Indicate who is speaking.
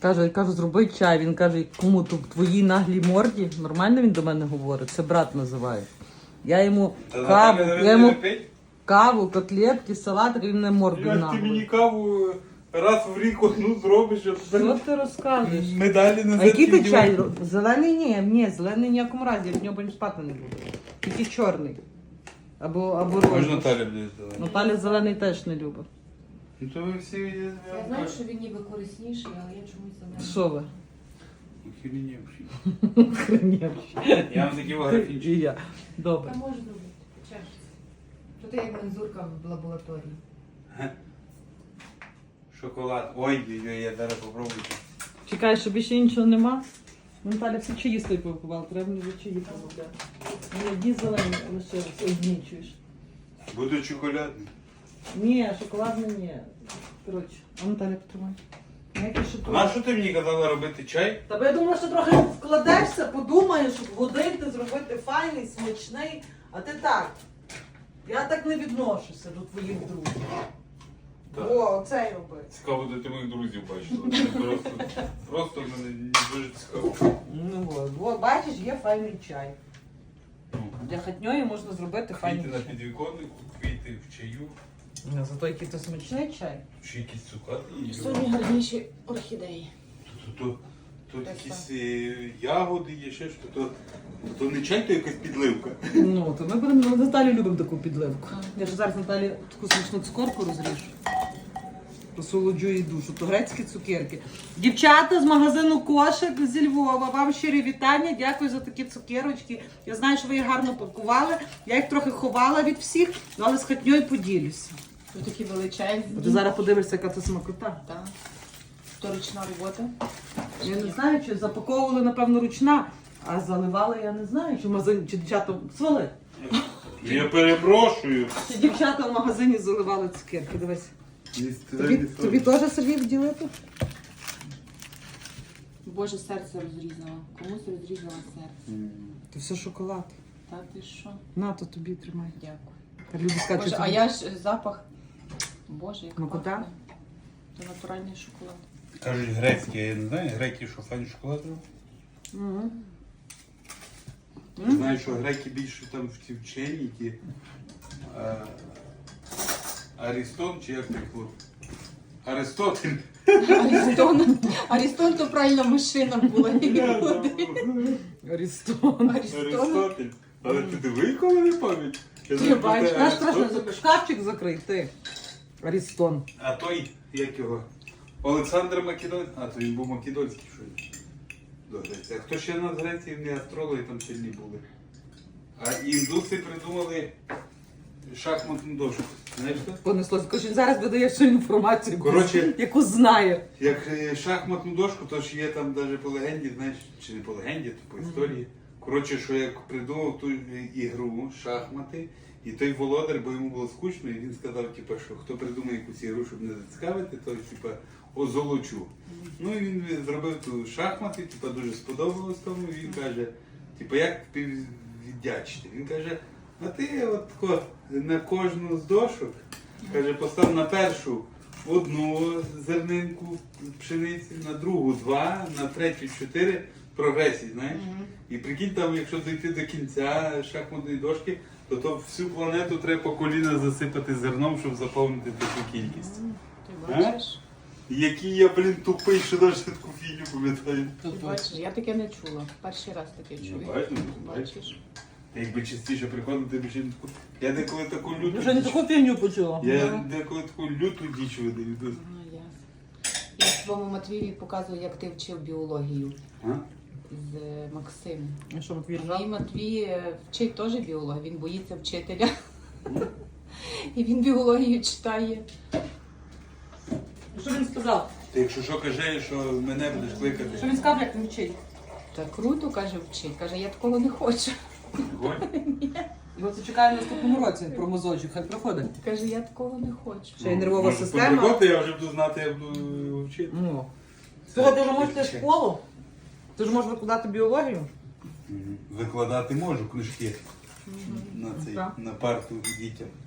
Speaker 1: Кажу, зроби чай. Він каже, кому тут в твоїй наглій морді? Нормально він до мене говорить? Це брат називає. Я йому каву, котлетки, салатик, він не морду
Speaker 2: Як ти мені каву раз в рік одну зробиш, а
Speaker 1: Що ти розказуєш?
Speaker 2: медалі не
Speaker 1: А який ти чай? Зелений ні, зелений в ніякому разі, я в нього потім спати не буду. Тільки чорний. Або
Speaker 2: Можна
Speaker 1: розовий.
Speaker 2: Наталя буде зелений.
Speaker 1: Наталя зелений теж не любить.
Speaker 2: Ну то ви всі
Speaker 3: Я знаю, що він ніби корисніший, але я чомусь зелений.
Speaker 1: Що ви?
Speaker 2: Хрінєвші.
Speaker 1: Хренєвші.
Speaker 2: Я вам такі графінчики.
Speaker 1: І я. Добре.
Speaker 3: Та можу зробити. Чешеться. То ти як мензурка в лабораторії.
Speaker 2: Шоколад. Ой, я зараз попробую.
Speaker 1: Чекай, що більше іншого нема? Наталя всі чаї стої повипивала, треба мені вже чаї помогляти. Одні зелені лишилися, одні чуєш.
Speaker 2: Буде шоколадний.
Speaker 1: Ні, шоколадний ні. Коротше, а Наталя потримай. Ніякий
Speaker 2: А
Speaker 1: шоколад.
Speaker 2: що ти мені казала робити чай?
Speaker 1: Та я думала, що трохи вкладешся, подумаєш, щоб годинки зробити файний, смачний, а ти так. Я так не відношуся до твоїх друзів.
Speaker 2: Так.
Speaker 1: О, оцей роби.
Speaker 2: Цікаво, де ти моїх друзів бачила. Просто мене дуже цікаво.
Speaker 1: Ну от, бачиш, є файний чай. Для хатньої можна зробити файний
Speaker 2: Квіти на
Speaker 1: чай.
Speaker 2: підвіконнику, квіти в чаю.
Speaker 1: Ну, зато який то смачний чай.
Speaker 2: Чи якісь цукати є.
Speaker 3: Сьогодні гарніші орхідеї.
Speaker 2: Тут якісь ягоди є, ще що. То не чай, то якась підливка.
Speaker 1: Ну, то ми будемо, Наталі любимо таку підливку. Я ж зараз Наталі таку смачну цукорку розріжу. Посолоджу їй душу. То грецькі цукерки. Дівчата з магазину Кошик зі Львова, вам щирі вітання. Дякую за такі цукерочки. Я знаю, що ви їх гарно пакували. Я їх трохи ховала від всіх, але з хатньою поділюся.
Speaker 3: Тут такі величезні.
Speaker 1: Ти зараз подивишся, яка це смакота.
Speaker 3: Так. То ручна робота.
Speaker 1: Я не знаю, чи запаковували, напевно, ручна, а заливали, я не знаю, чи в магазині, чи дівчата свали.
Speaker 2: Я перепрошую.
Speaker 1: Чи дівчата в магазині заливали цукерки, дивись. Тобі теж Сергій вділити?
Speaker 3: Боже, серце розрізала. Комусь розрізала серце.
Speaker 1: Це все шоколад.
Speaker 3: Та ти що?
Speaker 1: На, то тобі тримай.
Speaker 3: Дякую.
Speaker 1: Та люди скажуть,
Speaker 3: Боже,
Speaker 1: що
Speaker 3: а я ж запах. Боже, як
Speaker 1: Смакота?
Speaker 3: пахне. Це натуральний шоколад.
Speaker 2: Кажуть грецькі, я не знаю, греки, що файний шоколад роблять.
Speaker 1: Угу.
Speaker 2: Я знаю, що греки більше там в ці вчені, ті Арістон, чи як так було? Аристотель.
Speaker 3: Арістон то правильно машина була.
Speaker 1: Арістон.
Speaker 2: Аристотель. Але ти диви, коли не пам'ять.
Speaker 3: Ти бачиш,
Speaker 1: Наш страшно, шкафчик закрий, ти. Арістон.
Speaker 2: А той, як його? Олександр Македонський. А, то він був Македонський, що ли? До Греції. А хто ще на Греції, не астрологи там сильні були? А індуси придумали шахматну дошку. Знаєш що?
Speaker 1: Понеслося. Коротше, він зараз видає всю інформацію,
Speaker 2: Коротше,
Speaker 1: яку знає.
Speaker 2: як шахматну дошку, то ж є там навіть по легенді, знаєш, чи не по легенді, то по історії. Коротше, що як придумав ту ігру, шахмати, і той володар, бо йому було скучно, і він сказав, типу, що хто придумає якусь ігру, щоб не зацікавити, то типу, озолочу. Ну і він зробив ту шахмати, типу, дуже сподобалось тому, і він каже, типу, як тобі віддячити? Він каже, а ти от тако на кожну з дошок, каже, постав на першу одну зернинку пшениці, на другу два, на третю чотири прогресії, знаєш? І прикинь, там, якщо дійти до кінця шахматної дошки, то всю планету треба по коліна засипати зерном, щоб заповнити таку кількість.
Speaker 3: Ти бачиш?
Speaker 2: Який я, блін, тупий, що навіть таку фігню пам'ятаю.
Speaker 3: Ти бачиш, я таке не чула. Перший раз таке чую. Бачиш?
Speaker 2: Та якби частіше приходив, ти б ще не таку. Я деколи таку люту.
Speaker 1: Вже не таку фігню почула.
Speaker 2: Я деколи таку люту діч видаю.
Speaker 3: Ага, ясно. Я своєму Матвієві показую, як ти вчив біологію
Speaker 2: А?
Speaker 3: з Максимом.
Speaker 1: А що, Матвій
Speaker 3: Мій
Speaker 1: ржав?
Speaker 3: Матвій вчить теж біолога, він боїться вчителя. І він біологію читає.
Speaker 1: Що він сказав?
Speaker 2: Ти якщо що кажеш, що мене будеш
Speaker 1: Що
Speaker 2: кликати.
Speaker 1: він сказав, як він вчить?
Speaker 3: Та круто, каже, вчить. Каже, я такого не хочу.
Speaker 1: Його це чекає в наступному році про мозочок, хай проходить.
Speaker 3: Каже, я такого не хочу.
Speaker 1: Ще й нервова
Speaker 2: Може,
Speaker 1: система.
Speaker 2: приходити, я вже буду знати, як буду вчити.
Speaker 1: Ну. Слухай, ти ж можеш йти в школу? Ти ж можеш викладати біологію?
Speaker 2: Викладати можу книжки на
Speaker 1: Так.
Speaker 2: на парту дітям.